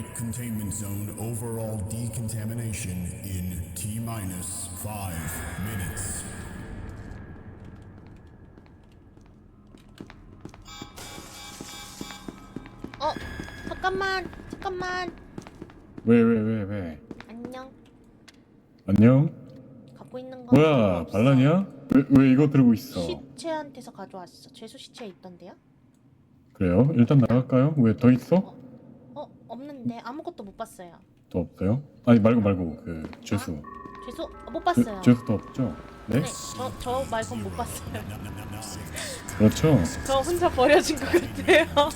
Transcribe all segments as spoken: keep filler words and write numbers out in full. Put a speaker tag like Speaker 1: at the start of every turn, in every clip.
Speaker 1: containment zone overall decontamination in T minus five minutes.
Speaker 2: 어, 잠깐만, 잠깐만.
Speaker 3: 왜 왜 왜 왜?
Speaker 2: 안녕.
Speaker 3: 안녕?
Speaker 2: 갖고 있는 거.
Speaker 3: 뭐야 반란이야? 왜, 왜 이거 들고 있어?
Speaker 2: 시체한테서 가져왔어. 죄수 시체에 있던데요?
Speaker 3: 그래요? 일단 나갈까요? 왜 더 있어?
Speaker 2: 어, 없는데 아무것도 못 봤어요.
Speaker 3: 더 없어요? 아니 말고 말고 그 죄수
Speaker 2: 죄수 어, 못
Speaker 3: 죄,
Speaker 2: 봤어요.
Speaker 3: 죄수 더 없죠? 네?
Speaker 2: 네, 저, 저 말곤 못 봤어요.
Speaker 3: 그렇죠?
Speaker 2: 저 혼자 버려진 것 같아요.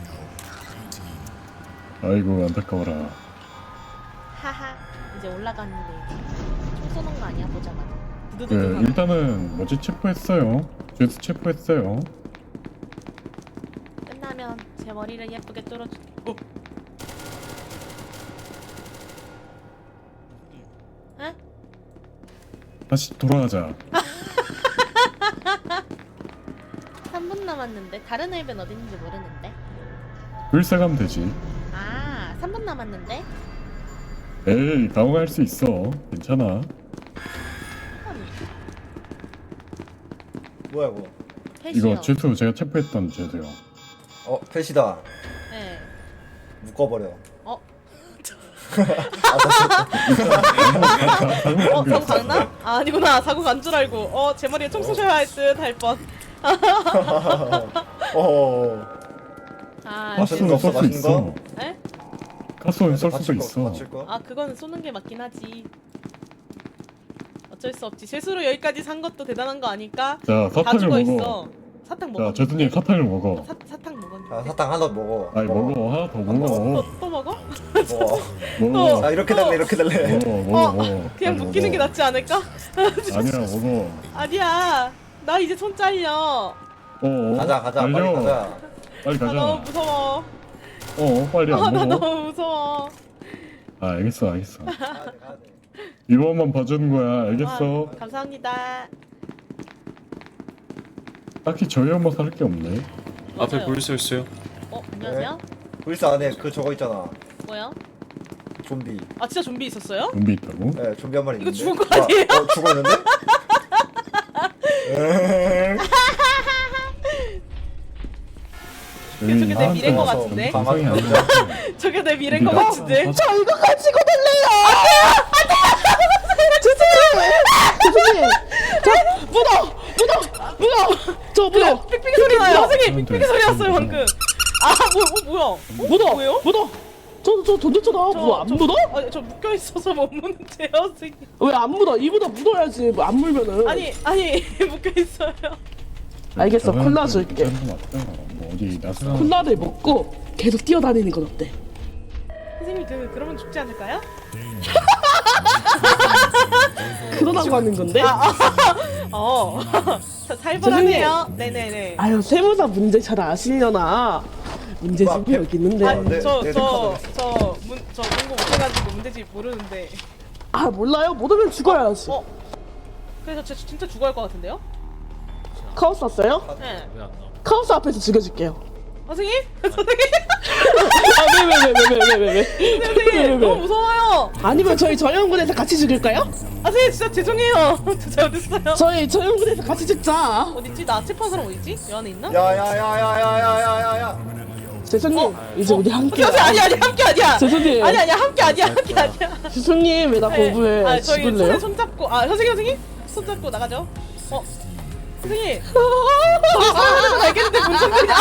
Speaker 3: 아이고 안타까워라.
Speaker 2: 하하. 이제 올라갔는데 총 쏘는 거 아니야 보자마자.
Speaker 3: 그
Speaker 2: 두두두두.
Speaker 3: 일단은 뭐지 체포했어요. 죄수 체포했어요.
Speaker 2: 끝나면 제 머리를 예쁘게 뚫어주. 어. 에?
Speaker 3: 다시 돌아가자.
Speaker 2: 삼 분 남았는데 다른 앱은 어디 있는지 모르는데.
Speaker 3: 불사 가면 되지.
Speaker 2: 아, 삼 분 남았는데.
Speaker 3: 에이 당황할 수 있어. 괜찮아.
Speaker 4: 뭐야 이거?
Speaker 2: 패시요.
Speaker 3: 이거 죄수 제가 체포했던 죄수요.
Speaker 4: 어 패시다.
Speaker 2: 네.
Speaker 4: 묶어버려.
Speaker 2: 어?
Speaker 3: 잘못
Speaker 2: 어, 사고
Speaker 3: 준비했어.
Speaker 2: 갔나? 아, 아니구나. 사고 간 줄 알고. 어, 제 머리에 총 쏘셔야 할 듯 할 뻔.
Speaker 4: 어.
Speaker 2: 아,
Speaker 4: 맛있는
Speaker 3: 가스는
Speaker 4: 거 없어,
Speaker 3: 쏠 수
Speaker 4: 맛있는
Speaker 3: 있어.
Speaker 4: 거?
Speaker 2: 에?
Speaker 3: 가스는 쏠 수도
Speaker 4: 받칠 거,
Speaker 3: 있어.
Speaker 4: 받칠 거?
Speaker 2: 아, 그거는 쏘는 게 맞긴 하지. 어쩔 수 없지. 쇠수로 여기까지 산 것도 대단한 거 아닐까?
Speaker 3: 자
Speaker 2: 다
Speaker 3: 사탕을
Speaker 2: 죽어
Speaker 3: 먹어.
Speaker 2: 있어. 사탕 먹어.
Speaker 3: 자 죄수님 사탕을 먹어.
Speaker 2: 사, 사탕 먹었는데.
Speaker 4: 자 사탕 하나 먹어.
Speaker 3: 아니 먹어 하나 더 먹어.
Speaker 2: 또, 또 먹어?
Speaker 4: 먹어.
Speaker 3: 먹어.
Speaker 4: 자 이렇게 달래 이렇게 달래.
Speaker 3: 먹어 먹어
Speaker 2: 어,
Speaker 3: 먹어.
Speaker 2: 그냥
Speaker 3: 빨리
Speaker 2: 묶이는 게
Speaker 3: 먹어.
Speaker 2: 낫지 않을까?
Speaker 3: 아니야 먹어.
Speaker 2: 아니야. 나 이제 손 잘려.
Speaker 3: 어.
Speaker 4: 가자 가자
Speaker 3: 달려.
Speaker 4: 빨리 가자.
Speaker 3: 빨리
Speaker 2: 나 너무
Speaker 3: 가자.
Speaker 2: 무서워.
Speaker 3: 어 빨리
Speaker 2: 아,
Speaker 3: 안
Speaker 2: 나
Speaker 3: 먹어.
Speaker 2: 너무 무서워.
Speaker 3: 아 알겠어 알겠어.
Speaker 4: 가야 돼 가야 돼.
Speaker 3: 이번만 봐주는 거야 알겠어.
Speaker 2: 아, 감사합니다.
Speaker 3: 딱히 저희 엄마 살 게 없네.
Speaker 5: 앞에
Speaker 2: 맞아요.
Speaker 5: 불써 있어요.
Speaker 2: 어, 안녕하세요.
Speaker 4: 불사 안에 그 저거 있잖아.
Speaker 2: 뭐요?
Speaker 4: 좀비.
Speaker 2: 아, 진짜 좀비 있었어요?
Speaker 3: 준비 있다고?
Speaker 4: 네 좀비 한 마리
Speaker 2: 이거
Speaker 4: 있는데.
Speaker 2: 죽은 거
Speaker 4: 아,
Speaker 2: 아니에요?
Speaker 4: 어 죽어 있는데?
Speaker 3: 저희
Speaker 2: 저게 내 미래인 것
Speaker 4: 나한테
Speaker 2: 같은데?
Speaker 4: 와서
Speaker 3: 방송이 아닌 것 같아.
Speaker 2: 저게 내 미래인 것
Speaker 3: 우리가-
Speaker 2: 같은데?
Speaker 3: 아,
Speaker 2: 저 이거 가지고 달래요!
Speaker 6: 교수님, 저 문어, 문어, 문어, 저 문어,
Speaker 2: 삑삑이 소리 나요. 선생님,
Speaker 3: 음,
Speaker 2: 삑삑이
Speaker 3: 네.
Speaker 2: 소리 났어요,
Speaker 3: 음,
Speaker 2: 방금. 아, 뭐, 어, 뭐야?
Speaker 6: 문어,
Speaker 2: 뭐예요?
Speaker 6: 문어. 저, 저 던졌잖아. 뭐 안 묻어?
Speaker 2: 아니, 저 묶여 있어서 못 묻는데요, 선생님.
Speaker 6: 왜 안 묻어? 이보다 묻어야지. 뭐 안 물면은.
Speaker 2: 아니, 아니, 묶여 있어요.
Speaker 6: 알겠어,
Speaker 3: 저는
Speaker 6: 콜라 줄게.
Speaker 3: 괜찮은 것 같아. 뭐 어디 나서
Speaker 6: 콜라를 먹고 계속 뛰어다니는 건 어때?
Speaker 2: 선생님, 그, 그러면 죽지 않을까요?
Speaker 6: 그러라고 하는 건데?
Speaker 2: 어. 살벌하네요. 네네네.
Speaker 6: 아유, 세무사 문제 잘 아시려나? 문제집이 여기 있는데.
Speaker 2: 아,
Speaker 4: 네,
Speaker 2: 저,
Speaker 4: 네,
Speaker 2: 저,
Speaker 4: 네,
Speaker 2: 저, 문, 저 공부 못해가지고 문제집 모르는데.
Speaker 6: 아, 몰라요? 못 오면 죽어야지.
Speaker 2: 어? 그래서 저 진짜 죽어야 할 것 같은데요?
Speaker 6: 카오스 왔어요?
Speaker 2: 네.
Speaker 6: 카오스 앞에서 죽여줄게요.
Speaker 2: 선생님? 선생님?
Speaker 6: 아, 왜, 왜, 왜, 왜, 왜, 왜, 왜, 왜? 왜,
Speaker 2: 선생님,
Speaker 6: 왜,
Speaker 2: 너무
Speaker 6: 왜?
Speaker 2: 무서워요.
Speaker 6: 아니면 저희 저영군에서 같이 죽일까요?
Speaker 2: 아, 선생님, 진짜 죄송해요. 저 잘못했어요.
Speaker 6: 저희 저영군에서 같이 죽자.
Speaker 2: 어딨지? 나 체포한 사람 어딨지? 여 안에 있나?
Speaker 4: 야야야야야야야야야.
Speaker 6: 재선님, 이제 우리 함께.
Speaker 2: 선생님, 아니, 아니, 함께 아니야.
Speaker 6: 죄송해요.
Speaker 2: 아니, 아니야, 함께 아니야, 함께 아니야.
Speaker 6: 교수님 왜 나
Speaker 2: 네.
Speaker 6: 거부해?
Speaker 2: 아, 저희
Speaker 6: 죽을래요?
Speaker 2: 손에 손 잡고, 아, 선생님, 선생님? 손 잡고 나가죠. 어? 선생님. 저기 사람을 거 알겠는데 문 잠그냐?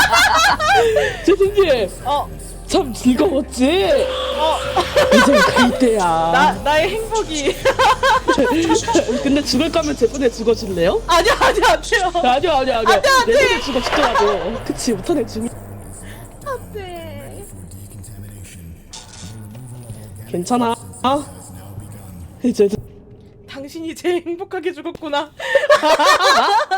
Speaker 6: 죄송님
Speaker 2: 어,
Speaker 6: 참 즐거웠지?
Speaker 2: 어.
Speaker 6: 이제 갈 때야.
Speaker 2: 나, 나의 행복이.
Speaker 6: 근데 죽을 거면 제 분에 죽어줄래요?
Speaker 2: 아니야, 아니야, 안 돼요.
Speaker 6: 아니요 아니요 아니요.
Speaker 2: 안 돼, 안
Speaker 6: 내
Speaker 2: 돼.
Speaker 6: 분에 죽어 죽더라도. 그치 못하네 죽.
Speaker 2: 안 돼.
Speaker 6: 괜찮아. 아 이제
Speaker 2: 당신이 제일 행복하게 죽었구나.